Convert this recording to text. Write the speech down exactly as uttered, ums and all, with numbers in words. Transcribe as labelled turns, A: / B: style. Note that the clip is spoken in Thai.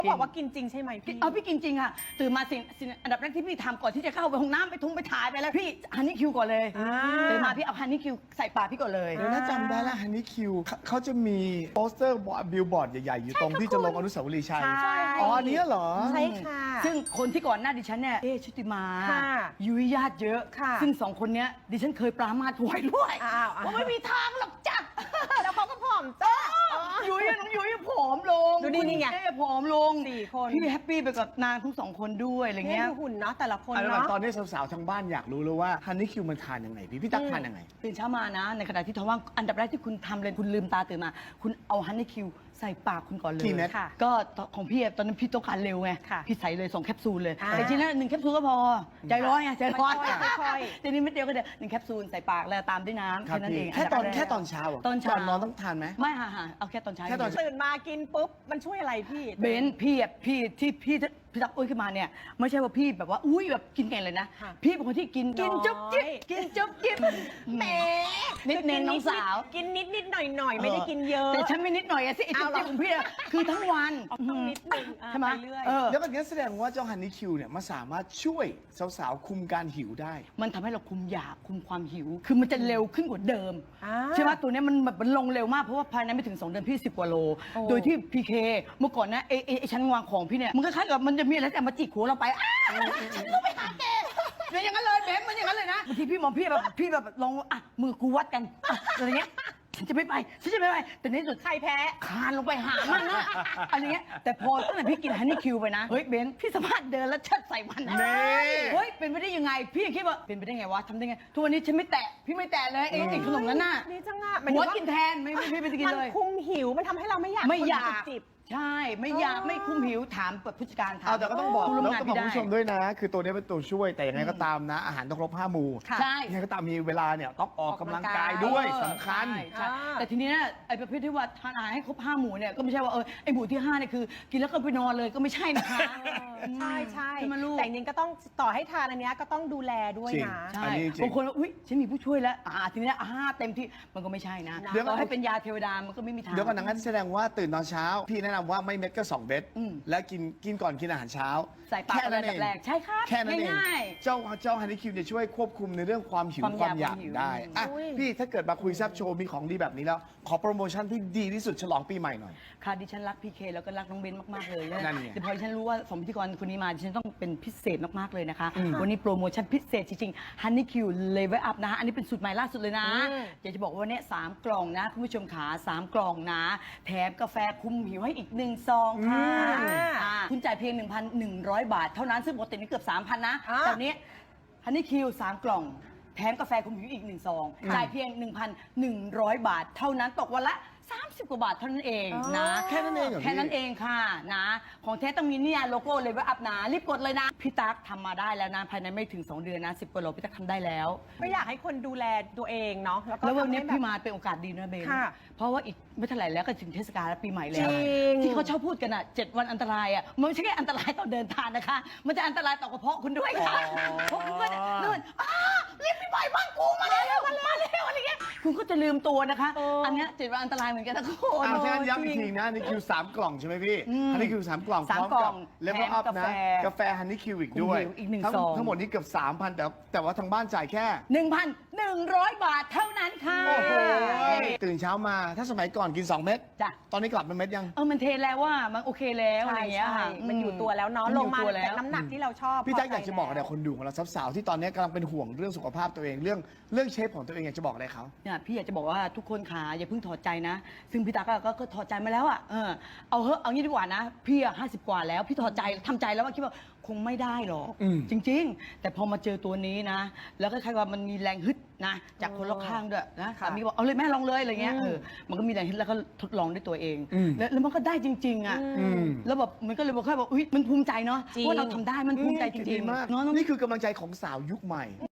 A: เขาบอกว่ากินจริงใช่ไหมพี่
B: เอาพี่กินจริงค่ะตื่นมาสิ่งสิ่งอันดับแรกที่พี่ทำก่อนที่จะเข้าไปห้องน้ำไปทุ่งไปถ่ายไปแล้วพี่ฮันนี่คิวก่อนเลย
A: อ่า
B: ตื่นมาพี่เอาฮันนี่คิวใส่ปากพี่ก่อนเลย
C: เดี๋ยวถ้าจำได้แล้วฮันนี่คิวเขาจะมีโปสเตอร์บิลบอร์ดใหญ่ๆ อยู่ตรงที่จะลงอนุสาวรีย์ชัย
A: ใช่
C: อ๋ออันนี้เหรอ
A: ใช่ค่ะ
B: ซึ่งคนที่ก่อนหน้าดิฉันเนี่ยเอ๊ชุติมา
A: ค่ะ
B: ยุ้ยญาติเยอะ
A: ค่ะ
B: ซึ่งสองคนเนี้ยดิฉันเคยปรามาสไว้ด้วย
A: อ้าวอ้าว
B: ว่าไม่มีทางหรอกจ้ะ
A: แล้วเขาก็ผอมจ้า
B: ยุ้ยน้องยุ้ยผอมลง
A: ดูนี่นี่ไง
B: เอ๊ผอมลง
A: สี่คน
B: พี่แฮปปี้ไปกับนางทั้งสองคนด้วยอะไร
A: เนี่ย
B: เงี้ย
A: ดูหุ่นเนาะแต่ละคน
C: เอาละ
A: เนาะ
C: ตอนนี้สาวๆทางบ้านอยากรู้เลยว่าฮันนี่คิวมันทานยังไงพี่พี่ตั๊กทานยังไง
B: ตื่นเช้ามานะ ในขณะที่ท้องว่างอันดับแรกที่คุณทำเลยคุณลืมตาตื่นมา คุณเอาฮันนี่คิวใส่ปากคุณก่อนเลย
C: กี่เม็ด
A: ค่ะ
B: ก็ของพี่อะตอนนั้นพี่ต้องการเร็วไง
A: ค่ะ
B: พี่ใส่เลยสองแคปซูลเลย
A: อ่า
B: แต่จริงๆแล้วหนึ่งแคปซูลก็พอใจร้อนไงใจร้อน
A: ค่อยๆ
B: ทีนี้เม็ดเดียวก็เดี๋ยวหนึ่งแคปซูลใส่ปากแล้วตามด้วยน้ำ
C: ครับ
B: แค่นั้น
C: พี่
B: เอง
C: แค่ตอน
B: ดับรก
C: แค่ตอนเช้าเหรอ
B: ตอนเช้า
C: ก่อนนอนต้องทานไหม
B: ไม่ค่ะค่ะเอาแค่ตอนเช้า
C: แค่ตอนเช้า
A: ตื่นมากินปุ๊บมันช่วยอะไรพี่
B: เบนซ์พี่อะพี่ที่พี่พี่ตักอุ้ยขึ้นมาเนี่ยไม่ใช่ว่าพี่แบบว่าอุ้ยแบบกินเก่งเลยนะ
A: ค่ะ
B: พี่เป็นคนที่กินกิน
A: น้อย
B: จุ๊บจิ๊บกินจุ๊บจิ๊บ
A: แหม
B: นิดนึงน้องสาว
A: กินนิดนิดหน่อยหน่อยๆไม่ได้กินเยอะ
B: แต่ฉันไม่นิดหน่อยอะสิไอ้
A: เอา
B: จุ๊บ
A: เหรอ
B: จิ๊บของพี่อะคือทั้งวัน
A: ต้องนิดนึงอ่ะ
B: ใช่ไหม
A: ไปเรื่อย
B: เออ
C: แล้วแบบนี้แสดงว่าเจ้าฮันนี่คิวเนี่ยมันสามารถช่วยสาวๆคุมการหิวได้
B: มันทำให้เราคุมอยากคุมความหิว คือมันจะเร็วขึ้นกว่าเดิม
A: อ่า
B: ใช่ไหมตัวเนี้ยมันแบบมันลงเร็วมากเพราะว่าภายในไม่ถึงสองเดือนพี่สิบกว่าโล
A: โอ้
B: โดยที่พีเคเมื่อก่อนนะไอ้ไอ้ไอ้ชั้นวางของพี่เนี่ยมันคล้ายๆกับมันจะมีอะไรแต่มาจิกหัวเราไปอ้าฉันก็ไปหาแกเป็นอย่างนั้นเลยเบมมันอย่างนั้นเลยนะบางทีพี่มองพี่แบบพี่แบบลองอ่ะมือกูวัดกันอ่ะอะไรเงี้ยฉันจะไม่ไปฉันจะไม่ไปแต่ในที่สุด
A: ใครแพ้
B: คานลงไปหามันนะอะไรเงี้ยแต่พอตั้งแต่พี่กินฮันนี่คิวไปนะเฮ้ยเบนพี่สามารถเดินแล้วเชิดใส่มันนะ
C: นี่
B: เฮ้ยเป็นไปได้ยังไงพี่ยังคิดว่าเป็นไปได้ไงวะทำได้ไงทุกวันนี้ฉันไม่แตะพี่ไม่แตะเลยไอ้ไอ้ขนมนั้นน่ะ
A: นี่จังอ่ะ
B: หัวกินแทนไม่ไม่ไม่ไปกิน
A: มัน
B: เลย
A: คุมหิวมันทำให้เราไม่อยาก
B: ไม่อยาก
A: จิบ
B: ใช่ไม่อยาก
A: อ๋อ
B: ไม่คุ้มหิวถามแบบผู้จัดการถาม
C: เอาแต่ก็ต้องบอก
B: ผู้ร่วม
C: แล้ว
B: งาน
C: ก็บอก
B: พี่ได้
C: คุณผู้ชมด้วยนะ คือตัวนี้เป็นตัวช่วยแต่ยังไงก็ตามนะ อาหารต้องครบห้าหมู่
A: ค่ะ
B: ใช่
C: ยังไงก็ตามมีเวลาเนี่ยต้องออกกำลังกาย
A: ออกกำลังกาย
C: ด้วย
B: เออ
C: สำคัญ
B: ใช่ใช่
A: อ่า
B: แต่ทีนี้เนี่ยไอ้ประเภทที่ว่าทานอาหารให้ครบห้าหมู่เนี่ยก็ไม่ใช่ว่าเออไอ้หมู่ที่ห้าเนี่ยคือกินแล้วก็ไปนอนเลยก็ไม่ใช่นะคะ
A: ใช่ใช่
B: ใช่ไหมลูก
A: แต่จริงๆก็ต้องต่อให้ทานอันเนี้ยก็ต้องดูแลด้วย
C: จริง
A: นะ
B: ใช่
C: อันนี้จริง
B: บางคนว่าอุ้ยฉันมีผู้ช่วยแล้วอ่าทีนี้อ่าเต็มที่มันก็ไม่ใช่นะ
A: เดี๋
B: เดี๋
A: ย
B: ยว วก็ให้เป็นยาเทวดามันก็ไม่มีทาง
C: เดี๋ยวก่อนนะงั้นแสดงว่าตื่นตอนเช้า พี่แนะนำว่าไม่เม็ดก็สองเม็ด
B: อืม
C: และกินกินก่อนกินอาหารเช้า
B: ใส่ปาก
C: แค่นั้น
B: อันดับแรกใช่ครับ
C: แค่นั้นเอง
B: ง่าย
C: เจ้าเจ้าฮันนี่คิวเนี่ยช่วยควบคุมในเรื่องความหิว
B: ความ
C: ความอยาก ก
B: อายความหิว
C: ได้อ่ะ
A: อุ้ย
C: พี่ถ้าเกิดมาคุยแซบโชว์มีของดีแบบนี้แล้ว ขอโปรโมชั่นที่ดีที่สุดฉลองปีใหม่หน่อย
B: ค่ะดิฉันรักพีเคแล้วก็รักน้องเบนมาก ๆ เลย
C: นั่นไง
B: แต่พอดิฉันรู้ว่าสองพิธีกรคนนี้มาดิฉันต้องเป็นพิเศษมาก ๆ เลยนะคะ
C: อืม
B: วันนี้โปรโมชั่นพิเศษจริงๆ Honey Q Level Up นะคะอันนี้เป็นสูตรใหม่ล่าสุดเลยนะ
A: อืม
B: อยากจะบอกว่าวันนี้สามกล่องนะคุณผู้ชมขาสามกล่องนะ แถมกาแฟคุมหิวให้อีกหนึ่งซองค่ะ
A: อืม
B: อ่าคุณจ่ายเพียง หนึ่งพันหนึ่งร้อย บาท เท่านั้นซึ่งปกตินี่เกือบ สามพัน นะ
A: อ่า
B: แต่วันนี้ Honey Q สามกล่อง แถมกาแฟคุมหิวอีกหนึ่งซองจ่ายเพียง หนึ่งพันหนึ่งร้อย บาท เท่านั้นตกวันละสามสิบกว่าบาทเท่านั้นเองนะ
C: แค่นั้นเองเหรอพี่
B: แค่นั้นเองค่ะนะ ของแท้ต้องมีเนี่ยโลโก้เลยว่าอัพนะรีบกดเลยนะ พี่ตั๊กทำมาได้แล้วนะ ภายในไม่ถึง สอง เดือนนะสิบกว่าโลพี่ตั๊กทำได้แล้ว
A: ก็อยากให้คนดูแลตัวเองเนาะแล้วก็
B: แล้ววันนี้
A: ทำให้
B: พี่
A: แบบ
B: มาเป็นโอกาสดีนะเบน
A: ค่ะ
B: เพราะว่าอีกไม่เท่าไหร่แล้วก็ถึงเทศกาลและปีใหม่แล้ว
A: จริง
B: ที่เขาชอบพูดกันอ่ะเจ็ดวันอันตรายอ่ะมันไม่ใช่แค่อันตรายต่อเดินทางนะคะ มันจะอันตรายต่อกระเพาะคุณด้วยค่ะ
C: อ๋อ
B: เพราะคุณก็จะนู่นอ้ารีบไปบ่อยบ้านกูมาแล้วมาแล้วมาแล้วอะไรเงี้ยคุณก็จะลืมตัวนะคะ
A: เอออั
B: อันเนี้ยเจ็ดวันอันตรายเหมือนกันนะคุณ
C: อ่าฉะนั้นย้ำ
B: จ
C: อี
B: ริ
C: ก
B: ง
C: ทีนะฮันนี่คิวสามกล่องใช่ไหมพี่
B: อืม
C: ฮันนี่คิวสามกล่อง
B: สาม
C: พร้อม
B: กล่
C: กั
B: อบ ง
C: เลเวลอัพ
B: แถมกา
C: นะ
B: แฟ
C: กาแฟฮันนี่คิวอีกด้วย
B: อีกหนึ่ง
C: ทั้ง
B: ซอง
C: ทั้งหมดนี้เกือบสามพันแต่แต่ว่าทางบ้านจ่ายแค่
B: หนึ่งพันหนึ่งร้อยบาทเท่านั้นค่ะ
C: โอ้โหตื่นเช้ามาถ้าสมัยก่อนกินสองเม็ด
B: จ้ะ
C: ตอนนี้กลับเป็นเม็ดยัง
B: เออมันเทแล้วว่ามันโอเคแล้วอะไร
A: ใช่
B: อย่างเงี้ย
A: ใช่
B: ค่ะ
A: มันอยู่ตัวแล้วเนาะ
B: มัน
A: ล
B: อง ยู่
A: มา
B: ตัวแล้ว
A: เป็นน้ำหนักที่เราชอบ
C: พี่แจ๊ค
A: พใจ
C: อยากจะบอกอะไร
A: แล้ว
C: คนดูของเราสาวๆที่ตอนนี้กำลังเป็นห่วงเรื่องสุขภาพตัวเองเรื่องเรื่องเชฟของตัวเองอยากจะบอกอะไรเขา
B: เนี่ยพี่อยากจะบอกว่าทุกคนขาอย่าเพิ่งถอดใจนะ ซึ่งพี่ตาก็ก็ก็ถอดใจมาแล้วอ่ะเออเอาเถอะเอางี้ดีกว่านะ พี่อ่ะห้าสิบกว่าแล้วพี่ถอดใจทำใจแล้วว่าคิดว่าคงไม่ได้หรอก
C: อืม
B: จริง ๆ แต่พอมาเจอตัวนี้นะ แล้วก็คล้ายๆว่ามันมีแรงฮึดนะจากคนรอบข้างด้วยนะ
A: ค่ะ
B: สามีบอกเอาเลยแม่ลองเลยอะไรเงี้ย
A: อืม
B: เออมันก็มีแรงฮึดแล้วก็ทดลองด้วยตัวเอง
C: อืม
B: แล้วแล้วมันก็ได้จริง ๆอ่ะ
C: อืม
B: แล้วแบบมันก็เลยบอกแค่บอกอุ้ยมันภูมิใจเนาะ
A: จริง
B: ว่าเราทำได้มันภูมิใจจ
C: ดี
B: ริง
C: มาก
B: ๆเนาะ
C: นี่คือกำลังใจของสาวยุคใหม่